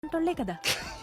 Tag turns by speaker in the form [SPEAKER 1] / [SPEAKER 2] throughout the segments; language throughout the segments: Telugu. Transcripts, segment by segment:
[SPEAKER 1] అంటోళ్లే కదా.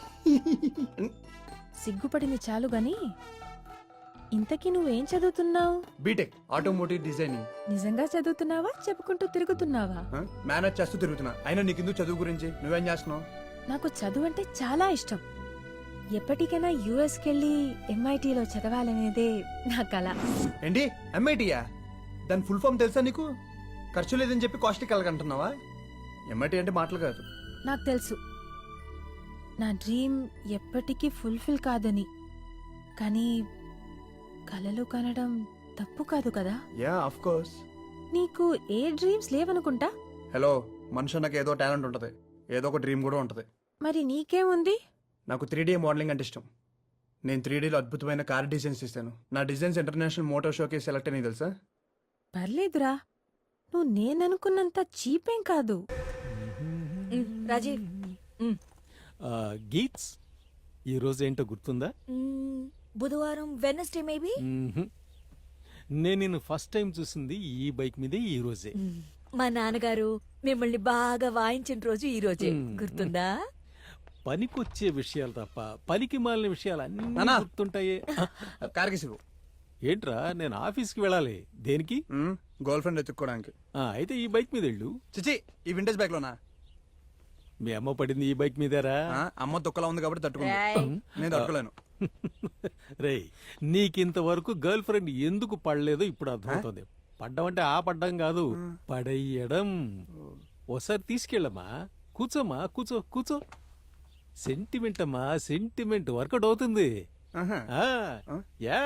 [SPEAKER 1] సిగ్గుపడింది చాలు గాని, ఇంతకీ నువ్వేం చదువుతున్నావు?
[SPEAKER 2] B Tech automotive designing.
[SPEAKER 1] నిజంగా చదువుతున్నావా, చెప్పుకుంటూ తిరుగుతున్నావా?
[SPEAKER 2] మేనేజ్ చేస్తూ తిరుగుతున్నా. అయినా నీకెందుకు చదువు గురించి? నువ్వేం చేస్తున్నావు?
[SPEAKER 1] నాకు చదువు అంటే చాలా ఇష్టం. ఎప్పటికైనా యుఎస్ కెళ్ళి ఎంఐటీలో చదవాలనేదే నా కల.
[SPEAKER 2] ఏంటి ఎంఐటీయా? దాని ఫుల్ ఫామ్ తెలుసా నీకు? ఖర్చు లేదని చెప్పి కాస్ట్లీ కలగంటున్నావా? ఎంఐటీ అంటే మాటలు కాదు.
[SPEAKER 1] నాకు తెలుసు నా డ్రీమ్ ఎప్పటికీ ఫుల్ఫిల్ కాదని, కానీ కలలు కనడం తప్పు కాదు కదా.
[SPEAKER 2] Yeah of course.
[SPEAKER 1] నీకు ఏ డ్రీమ్స్ లేవనుకుంటా.
[SPEAKER 2] హలో, మనిషి నాకు ఏదో టాలెంట్ ఉంటది, ఏదో ఒక డ్రీమ్ కూడా ఉంటది.
[SPEAKER 1] మరి నీకేముంది?
[SPEAKER 2] నాకు 3D మోడలింగ్ అంటే ఇష్టం. నేను 3Dలో అద్భుతమైన కార్ డిజైన్స్ ఇస్తాను. నా డిజైన్స్ ఇంటర్నేషనల్ మోటార్ షోకి సెలెక్ట్ అని తెలుసా?
[SPEAKER 1] పర్లేదురా, నువ్వు నేననుకున్నంత చీపేం కాదు.
[SPEAKER 3] రాజీవ్
[SPEAKER 4] గీట్స్, ఈరోజు ఏంటో గుర్తుందా?
[SPEAKER 3] బుధవారం, వెనస్డే మేబీ.
[SPEAKER 4] నేను నిన్ను ఫస్ట్ టైం చూసింది ఈ బైక్ మీదే ఈ రోజే.
[SPEAKER 3] మా నాన్నగారు మిమ్మల్ని బాగా వాయించిన రోజు ఈ రోజే. గుర్తుందా?
[SPEAKER 4] పనికొచ్చే విషయాలు తప్ప పనికి మాలిన విషయాలు అన్నీ
[SPEAKER 2] నాన్నా.
[SPEAKER 4] గుర్తుంటాయే.
[SPEAKER 2] కార్కి సిగు.
[SPEAKER 4] ఏంట్రా, నేను ఆఫీస్కి వెళ్ళాలి. దేనికి?
[SPEAKER 2] గర్ల్ ఫ్రెండ్ ఎత్తుక్కోవడానికి.
[SPEAKER 4] అయితే ఈ బైక్ మీద వెళ్ళు.
[SPEAKER 2] చిచి, ఈ వింటేజ్ బైక్ లోనా?
[SPEAKER 4] మీ అమ్మ పడింది ఈ బైక్ మీదేరా?
[SPEAKER 2] అమ్మ తొక్కలా ఉంది కాబట్టి తట్టుకుంది.
[SPEAKER 3] ఏయ్.
[SPEAKER 2] నేను తట్టుకోలేను.
[SPEAKER 4] రేయ్, నీకింతవరకు గర్ల్ ఫ్రెండ్ ఎందుకు పడలేదో ఇప్పుడు అర్థమవుతుంది. పడ్డం ఆ పడ్డం కాదు, పడేయడం. ఓసారి తీసుకెళ్ళమ్మా. కూర్చోమ్మా, కూర్చో కూర్చో. సెంటిమెంట్ అమ్మా, సెంటిమెంట్ వర్కౌట్ అవుతుంది.
[SPEAKER 2] ఆహా.
[SPEAKER 4] ఆ, యా.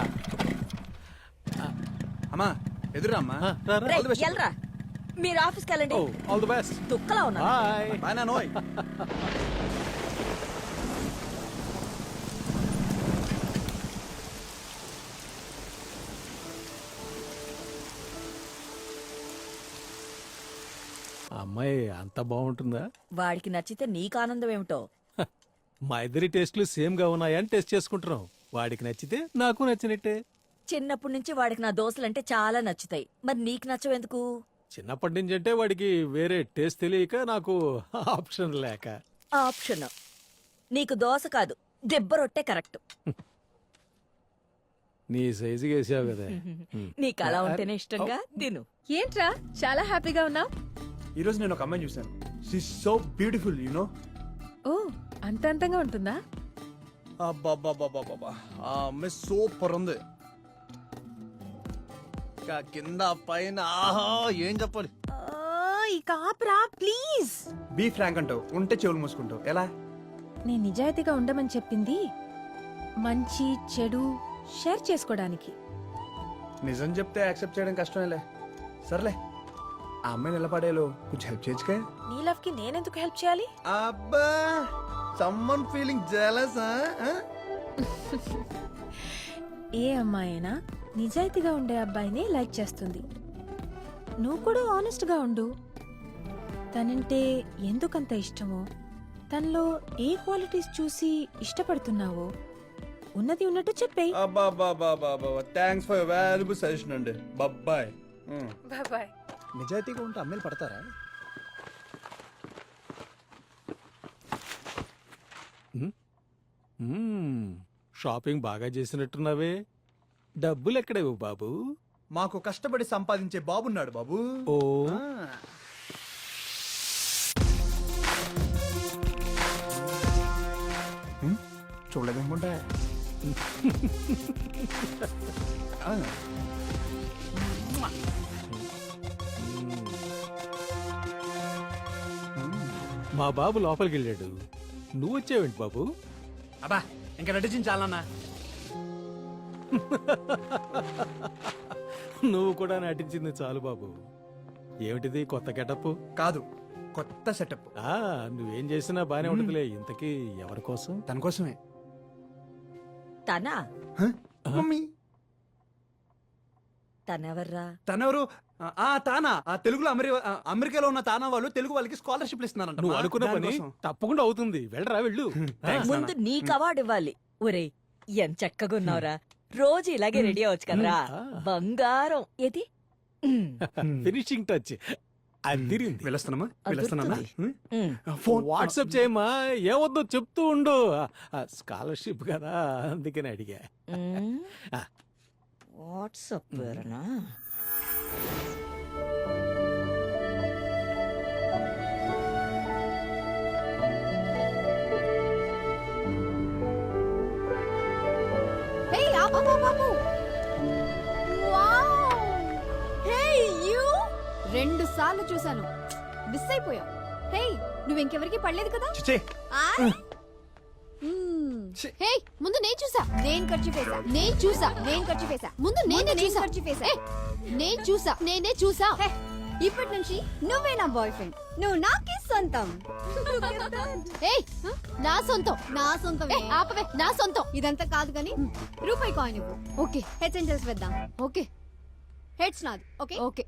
[SPEAKER 2] అమ్మా ఎదురా అమ్మా.
[SPEAKER 4] రా, రా.
[SPEAKER 3] రేయ్, ఎల్రా. మీరు ఆఫీస్కి వెళ్ళండి.
[SPEAKER 4] ఓ, ఆల్ ది బెస్ట్.
[SPEAKER 3] దుక్కలా ఉన్నా.
[SPEAKER 4] బాయ్.
[SPEAKER 2] బాయ్ నానోయ్.
[SPEAKER 4] అమ్మాయి అంత బాగుంటుందా?
[SPEAKER 3] వాడికి నచ్చితే నీకు ఆనందం ఏమిటో.
[SPEAKER 4] మా ఇద్దరి టేస్ట్లు సేమ్ గా ఉన్నాయని టెస్ట్ చేసుకుంటున్నాం. వాడికి నచ్చితే నాకు నచ్చినట్టే.
[SPEAKER 3] చిన్నప్పటి నుంచి వాడికి నా దోశలంటే చాలా నచ్చుతాయి. మరి నీకు నచ్చవెందుకు?
[SPEAKER 4] చిన్నప్పటి నుంచి అంటే వాడికి వేరే టేస్ట్ తెలియక, నాకు ఆప్షన్ లేక.
[SPEAKER 3] ఆప్షన్ నీకు దోశ కాదు, దెబ్బ రొట్టె కరెక్ట్.
[SPEAKER 4] నీ సైజుగా వేసావు కదా.
[SPEAKER 3] నీకు అలా ఉంటేనే ఇష్టంగా తిను.
[SPEAKER 1] ఏంట్రా చాలా హ్యాపీగా ఉన్నావు?
[SPEAKER 2] ఈ రోజు నేను ఒక అమ్మాయిని చూశాను. She so beautiful you know.
[SPEAKER 1] ఓ, అంత అంతంగా ఉంటుందా?
[SPEAKER 2] అబ్బాబ్బాబ్బాబ్బా, ఆ అమ్మాయి సూపర్ ఉంది. ఇంకా కింద పైన ఆహా, ఏం చెప్పాలి.
[SPEAKER 1] ఇక ఆపరా ప్లీజ్.
[SPEAKER 2] బీ ఫ్రాంక్ అంటావు, ఉంటే చెవులు మూసుకుంటావు. ఎలా?
[SPEAKER 1] నేను నిజాయితీగా ఉండమని చెప్పింది మంచి చెడు షేర్ చేసుకోవడానికి.
[SPEAKER 2] నిజం చెప్తే యాక్సెప్ట్ చేయడం కష్టమేలే. సర్లే, ఆ అమ్మాయిని ఎలా పడేలో కొంచెం హెల్ప్ చేయొచ్చుగా.
[SPEAKER 1] నీ లవ్ కి నేనెందుకు హెల్ప్ చేయాలి?
[SPEAKER 2] అబ్బా, సమ్మన్ ఫీలింగ్ జెలస్.
[SPEAKER 1] ఏ అమ్మాయినా నిజాయితీగా ఉండే అబ్బాయిని లైక్ చేస్తుంది. నువ్వు కూడా ఆనెస్ట్ గా ఉండు. తనంటే ఎందుకంత ఇష్టమో, తనలో ఏ క్వాలిటీస్ చూసి ఇష్టపడుతున్నావో ఉన్నది ఉన్నట్టు చెప్పేయ్.
[SPEAKER 2] థ్యాంక్స్ ఫర్ వాల్యుబుల్ సజెషన్ అండి. బాయ్.
[SPEAKER 1] బాయ్.
[SPEAKER 2] నిజాయితీగా ఉంటే అమ్మాయిలు పడతారా?
[SPEAKER 4] షాపింగ్ బాగా చేసినట్టున్నావే. డబ్బులు ఎక్కడేవు బాబు?
[SPEAKER 2] మాకు కష్టపడి సంపాదించే బాబున్నాడు బాబు.
[SPEAKER 4] ఓ,
[SPEAKER 2] చూడలేదనుకుంటా.
[SPEAKER 4] మా బాబు లోపలికి వెళ్ళాడు. నువ్వు వచ్చావేంటి బాబు?
[SPEAKER 2] అబ్బా, ఇంకా నటించింది చాలన్నా.
[SPEAKER 4] నువ్వు కూడా నటించింది చాలు బాబు. ఏమిటిది కొత్త గెటప్?
[SPEAKER 2] కాదు, కొత్త సెటప్.
[SPEAKER 4] నువ్వేం చేసినా బానే ఉంటుందిలే. ఇంతకీ ఎవరి కోసం?
[SPEAKER 2] తన కోసమే.
[SPEAKER 3] తనా?
[SPEAKER 2] మమ్మీ,
[SPEAKER 3] తనెవర్రా?
[SPEAKER 2] తనెవరు? తానా? తెలుగులో అమెరికాలో ఉన్న తానా వాళ్ళు తెలుగు వాళ్ళకి స్కాలర్షిప్ ఇస్తున్నారంట.
[SPEAKER 4] నువ్వు అనుకున్న పని తప్పకుండా అవుతుంది. వెళ్ళరా, వెళ్ళు.
[SPEAKER 3] ముందు నీకు అవార్డు ఇవ్వాలి. ఒరేయ్, ఎంత చక్కగా ఉన్నావురా. రోజు ఇలాగే రెడీ అవ్వచ్చు కదరా. బంగారం. ఏది?
[SPEAKER 4] Finishing touch. అదిరింది.
[SPEAKER 2] వెళ్ళొస్తున్నామా వెళ్ళొస్తున్నా
[SPEAKER 4] వాట్సాప్ చేయమ్మా, ఏమొద్దో చెప్తూ ఉండు. స్కాలర్షిప్ కదా, అందుకని అడిగా. ఆ.
[SPEAKER 3] వాట్సాప్ పేరునా?
[SPEAKER 5] Hey, ఆపు, ఆపు, ఆపు. Wow. Hey, you. 2 సార్లు చూసాను, మిస్ అయిపోయా. హే, నువ్వు ఇంకెవరికి పడలేదు కదా?
[SPEAKER 2] చిచ్చే
[SPEAKER 5] హే, ముందు నేను చూసా. నేను ఖర్చు చేసా. నేను చూసా. నేను ఖర్చు చేసా. ముందు నేనే చూసా. ఖర్చు చేసా. నేను చూసా. నేనే చూసా. ఇప్పటి నుంచి నువ్వే నా బాయ్ ఫ్రెండ్. నువ్వు నాకే సొంతం. ఏయ్, నా సొంతం. నా సొంతం. ఆపవే, నా సొంతం. ఇదంతా కాదు కానీ రూపాయి కాయిన్ ఇవ్వు. ఓకే, హెడ్స్ అండ్ టైల్స్ వేద్దాం. ఓకే, హెడ్స్ నాది. Okay okay.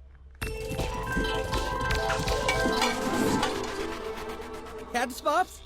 [SPEAKER 6] హెడ్స్ బాబ్స్.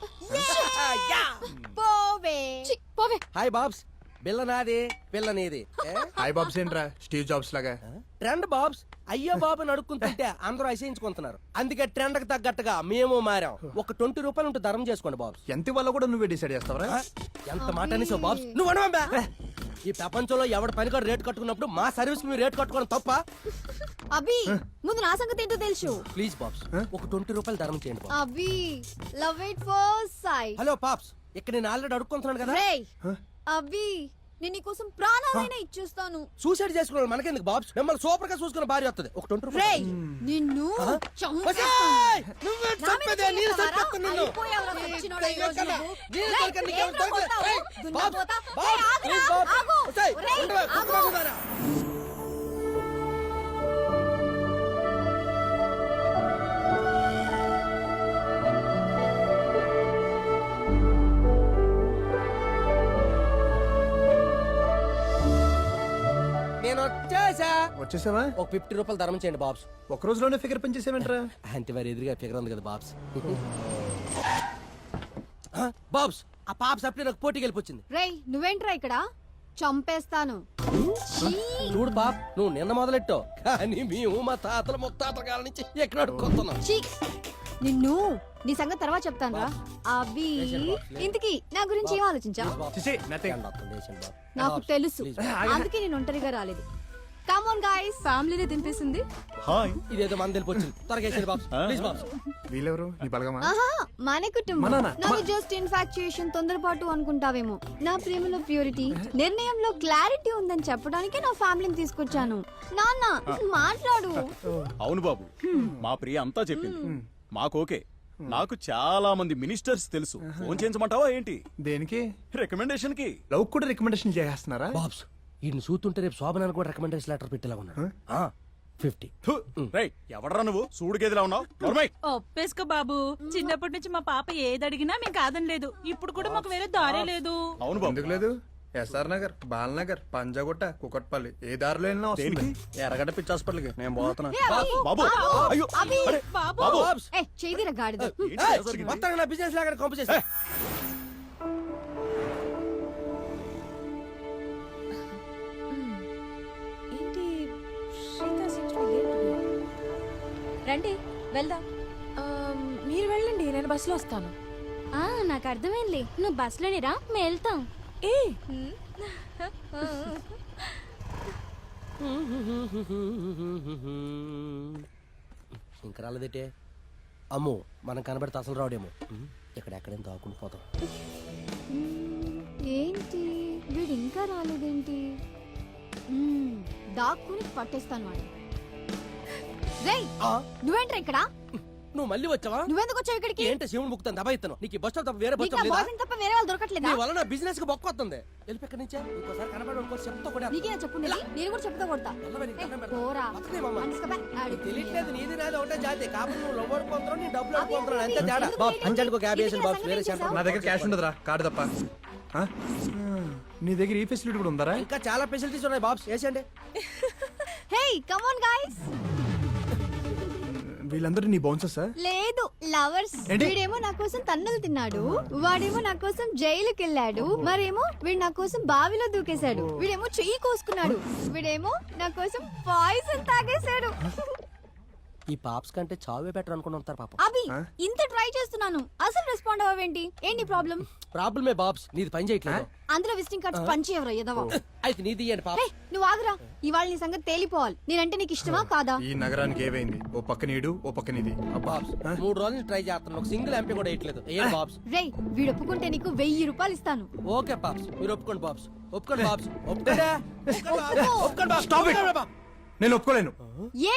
[SPEAKER 5] పోవే. ఛీ, పోవే.
[SPEAKER 6] హాయ్ బాబ్స్. బిల్ల నాది, పిల్ల నీది.
[SPEAKER 2] హాయ్ బాబ్స్ ఏంట్రా స్టీవ్ జాబ్స్ లాగా?
[SPEAKER 6] ట్రెండ్ బాబ్స్. అయ్యో బాబు అని అడుక్కుంటుంటే అందరూ అసహించుకుంటున్నారు. అందుకే ట్రెండ్ కి తగ్గట్టుగా మేము మారాం. ఒక 20 రూపాయలు ఉంటే ధరం చేసుకోండి బాబ్స్.
[SPEAKER 2] ఎంత వల్ల కూడా నువ్వే డిసైడ్ చేస్తావరా?
[SPEAKER 6] ఎంత మాట అనేసావు బాబ్స్. నువ్వు అనవా? ఈ ప్రపంచంలో ఎవడ పని కూడా రేట్ కట్టుకున్నప్పుడు మా సర్వీస్ మీరు రేట్ కట్టుకోవడం తప్ప?
[SPEAKER 5] అభి, ముందు నా సంగతి ఏంటో తెలుసు.
[SPEAKER 6] ప్లీజ్ బాబ్స్, ఒక 20 రూపాయలు ధరం చేయండి బాబు.
[SPEAKER 5] Abhi, love it first sight.
[SPEAKER 6] Hello pops, ఇక్కడ నేను ఆల్రెడీ అడుక్కుంటున్నాను కదా.
[SPEAKER 5] రేయ్, అభి, నేను నీకోసం ప్రాణాలైనా ఇచ్చేస్తాను.
[SPEAKER 6] సూసైడ్ చేసుకున్నాను మనకెందుకు బాబ్స్? మిమ్మల్ని సూపర్ గా చూసుకున్న భార్య వస్తుంది. ఒక 20
[SPEAKER 5] రేయ్,
[SPEAKER 6] రూపాయలు.
[SPEAKER 5] నిన్ను చంపేస్తాను.
[SPEAKER 6] ఒసేయ్! నువ్వే
[SPEAKER 5] నా మీద
[SPEAKER 6] చంపేదే, నేను
[SPEAKER 5] చేయగలవారా?
[SPEAKER 6] చంపేస్తాను నిన్ను.
[SPEAKER 5] అయిపోయావురా సచ్చినోడా ఈ రోజు
[SPEAKER 6] ఎక్కడ?
[SPEAKER 5] నువ్వు.
[SPEAKER 6] నేను
[SPEAKER 5] రేయ్,
[SPEAKER 6] దొరకను, నీకేం
[SPEAKER 5] ఏంట్రా
[SPEAKER 6] దొరకదు.
[SPEAKER 5] కొడతావు?
[SPEAKER 6] ఏయ్,
[SPEAKER 5] దున్నపోతా.
[SPEAKER 6] బాబ్స్,
[SPEAKER 5] ఏయ్, ఆగురా,
[SPEAKER 6] ప్లీజ్ బాబ్స్.
[SPEAKER 5] ఆగు.
[SPEAKER 6] ఒసేయ్,
[SPEAKER 5] రేయ్,
[SPEAKER 6] ఉండవే,
[SPEAKER 5] ఆగు.
[SPEAKER 6] కుక్కలాగున్నారా? నేను వచ్చేసా.
[SPEAKER 2] వచ్చేసావా?
[SPEAKER 6] ఒక 50 రూపాయలు ధరం చేయండి బాబ్స్.
[SPEAKER 2] ఒక రోజులోనే ఫిగర్ పనిచేసావేంట్రా?
[SPEAKER 6] అంటే వారి ఎదురుగా ఫిగర్ ఉంది కదా బాబ్స్. బాబ్స్, ఆ పాప్స్ అప్పుడే నాకు పోటీకి వెళ్ళిపోయింది.
[SPEAKER 5] రేయ్, నువ్వేంట్రా ఇక్కడ? చంపేస్తాను. ఛీ.
[SPEAKER 6] చూడు బాబ్, నువ్వు నిన్న మొదలెట్టావు కానీ మేము మా తాతల ముత్తాతల కాలం నుంచి ఎక్కడ అడుక్కొస్తున్నాం.
[SPEAKER 5] ఛీ. నిన్ను నీ సంగతి తర్వాత చెప్తాను రా. అభి, ఇంతకీ నా గురించి ఏం ఆలోచించావు?
[SPEAKER 2] చిచ్చే నథింగ్.
[SPEAKER 5] నాకు తెలుసు, అందుకే నేను ఒంటరిగా రాలేదు. కమ్ ఆన్ గైస్, ఫ్యామిలీనే తినిపిస్తుంది.
[SPEAKER 2] హాయ్.
[SPEAKER 6] ఇదేదో మన తెలిపొచ్చింది. త్వరగా వేసేయండి బాబ్స్, ప్లీజ్ బాబ్స్.
[SPEAKER 2] వీళ్ళెవరు? నీ బలగమా?
[SPEAKER 5] ఆహా, మన
[SPEAKER 2] మా
[SPEAKER 5] కుటుంబం.
[SPEAKER 2] నాన్న.
[SPEAKER 5] నాది జస్ట్ ఇన్ఫాక్చుయేషన్, తొందరపాటు అనుకుంటావేమో. నా ప్రేమలో ప్యూరిటీ, నిర్ణయంలో క్లారిటీ ఉందని చెప్పడానికే నా ఫ్యామిలీని తీసుకొచ్చాను. నాన్న, మాట్లాడు.
[SPEAKER 7] అవును బాబు, మా ప్రియ అంతా చెప్పింది. మాకు ఓకే. నాకు చాలా మంది మినిస్టర్స్ తెలుసు. ఫోన్ చేయించమంటావా ఏంటి?
[SPEAKER 2] దేనికి?
[SPEAKER 7] రికమెండేషన్ కి.
[SPEAKER 2] లవ్ కూడా రికమెండేషన్ చేస్తున్నారా?
[SPEAKER 6] బాబ్స్, ఈయన చూస్తుంటే రేపు శోభనాన్ని కూడా రికమెండేషన్ లెటర్ పెట్టేలా ఉన్నాడు. 50.
[SPEAKER 7] రైట్, ఎవడరా నువ్వు? సూడు గేదిలా ఉన్నావు. నోర్మై.
[SPEAKER 8] ఒప్పేసుకో బాబు, చిన్నప్పటి నుంచి మా పాప ఏదడిగినా మేము కాదనలేదు. ఇప్పుడు కూడా మాకు వేరే దారే లేదు.
[SPEAKER 7] అవును బాబు.
[SPEAKER 2] ఎందుకు లేదు? ఎస్ఆర్ నగర్, బాలనగర్, పంజాగుట్ట, కుకట్పల్లి, ఏ దారిలో వెళ్ళినా వస్తుంది. ఎర్రగడ్డ పిచ్చి హాస్పిటల్కి నేను పోతున్నా.
[SPEAKER 5] ఏ, అభి,
[SPEAKER 7] బాబు, అయ్యో,
[SPEAKER 5] అభి,
[SPEAKER 7] అరే,
[SPEAKER 8] బాబు.
[SPEAKER 7] బాబు.
[SPEAKER 6] బాబ్స్,
[SPEAKER 5] ఏ, చేదిరా గాడిద.
[SPEAKER 7] ఏంటి ఇలా జరిగింది?
[SPEAKER 6] మొత్తం నా బిజినెస్ లాగా కంపు చేస్తా.
[SPEAKER 1] ఏంటి శ్రీత seems to be late today.
[SPEAKER 3] రండి వెళ్దాం.
[SPEAKER 1] మీరు వెళ్ళండి, నేను బస్సులో వస్తాను.
[SPEAKER 5] నాకు అర్థమైందిలే, నువ్వు బస్సులోనే రా, మేము వెళ్తాం.
[SPEAKER 1] ఏ
[SPEAKER 6] ఇంకా రాలేదేటే? అమ్మో, మనం కనబడితే అసలు రావడేమో. ఎక్కడెక్కడేం దాక్కుని పోతాం.
[SPEAKER 5] ఏంటి వీడు ఇంకా రాలేదేంటి? దాక్కుని పట్టేస్తాను వాడు. రేయ్,
[SPEAKER 6] ఆ,
[SPEAKER 5] నువ్వేంట్రా ఇక్కడ?
[SPEAKER 6] నువ్వు మళ్ళీ వచ్చావా?
[SPEAKER 5] నువ్వెందుకు వచ్చావు ఇక్కడికి?
[SPEAKER 6] ఏంటి శివుని బుక్తాను దబా ఇస్తాను. నీకు ఈ బస్ స్టాప్ తప్ప వేరే బస్
[SPEAKER 5] నీకు
[SPEAKER 6] స్టాప్ లేదా?
[SPEAKER 5] బాయ్ ఫ్రెండ్ తప్ప వేరే వాళ్ళు దొరకట్లేదా?
[SPEAKER 6] నీ వల్ల నా బిజినెస్ కి బొక్క వస్తుంది. వెళ్ళి ఎక్కడి నుంచే ఇంకోసారి కనబడి ఇంకోటి చెప్తా కూడా.
[SPEAKER 5] నీకేనా చెప్పుండేది? నేను కూడా చెప్తా కొడతా.
[SPEAKER 6] వెళ్ళవే, నీకు దండం పెడతా.
[SPEAKER 5] పోరా.
[SPEAKER 6] వస్తుంది మామ.
[SPEAKER 5] మనిషిగా ఆడు.
[SPEAKER 6] తెలియట్లేదు, నీది నాది ఒకటే జాతి. కాబట్టి నువ్వు లవ్ అనుకుంటున్నావు, నీ డబ్బులు అనుకుంటున్నావు, అంతే తేడా.
[SPEAKER 5] ఎందుకు
[SPEAKER 6] బాబ్,
[SPEAKER 5] లేట్
[SPEAKER 6] అంజానికి ఒక 50 వేసాను
[SPEAKER 5] ఎందుకు
[SPEAKER 6] బాబ్, వేరే
[SPEAKER 5] అసలు
[SPEAKER 6] సెంటర్.
[SPEAKER 2] నా దగ్గర క్యాష్ ఉండదురా, కార్డు తప్ప. ఆ? నీ దగ్గర ఈ ఫెసిలిటీ కూడా ఉందరా?
[SPEAKER 6] ఇంకా చాలా ఫెసిలిటీస్ ఉన్నాయి బాబ్స్, వేసేయండి.
[SPEAKER 5] Hey, come on guys.
[SPEAKER 2] వీళ్ళందరూ నీ బౌన్సర్సా?
[SPEAKER 5] లేదు, లవర్స్.
[SPEAKER 2] ఏంటి?
[SPEAKER 5] వీడేమో నా కోసం తన్నులు తిన్నాడు, వాడేమో నా కోసం జైలుకి వెళ్ళాడు, మరేమో వీడు నా కోసం బావిలో దూకేశాడు, వీడేమో చెయ్యి కోసుకున్నాడు, వీడేమో నా కోసం పాయిజన్ తాగేశాడు.
[SPEAKER 6] ఈ పాప్స్ కంటే చావే బెటర్ అనుకుని ఉంటారు పాపం.
[SPEAKER 5] అభి ఇంత ట్రై చేస్తున్నాను అసలు రెస్పాండ్ అవ్వేంటి? ఏంటి ప్రాబ్లం?
[SPEAKER 6] ప్రాబ్లమే బాబ్స్, నీది పని చేయట్లేదు.
[SPEAKER 5] అందులో విజిటింగ్ కార్డ్స్ పంచి ఎవరో ఎదవా.
[SPEAKER 6] అయితే నీది ఇయ్యండి పాప.
[SPEAKER 5] నువ్వు ఆగురా, ఇవాళ నీ సంగతి తేలిపోవాలి. నేనంటే నీకు ఇష్టమా కాదా?
[SPEAKER 2] ఈ నగరానికి ఏవైంది? ఓ పక్క నీడు, ఓ పక్క నీది. అబ్బా.
[SPEAKER 6] బాబ్స్ 3 రోజులు ట్రై చేస్తాను, ఒక సింగిల్ ఎంపీ కూడా వేయట్లేదు. ఏ బాబ్స్?
[SPEAKER 5] రే, వీడు ఒప్పుకుంటే నీకు 1000 రూపాయలు ఇస్తాను.
[SPEAKER 6] ఓకే పాప్స్, మీరు ఒప్పుకోండి బాబ్స్. ఒప్పుకోండి బాబ్స్. ఒప్పుకోండి.
[SPEAKER 5] ఒప్పుకో.
[SPEAKER 6] ఒప్పుకోండి బాబ్స్.
[SPEAKER 2] Stop it.
[SPEAKER 6] ఒప్పుకోండి బాబ్స్.
[SPEAKER 2] నేను ఒప్పుకోలేను.
[SPEAKER 5] ఏ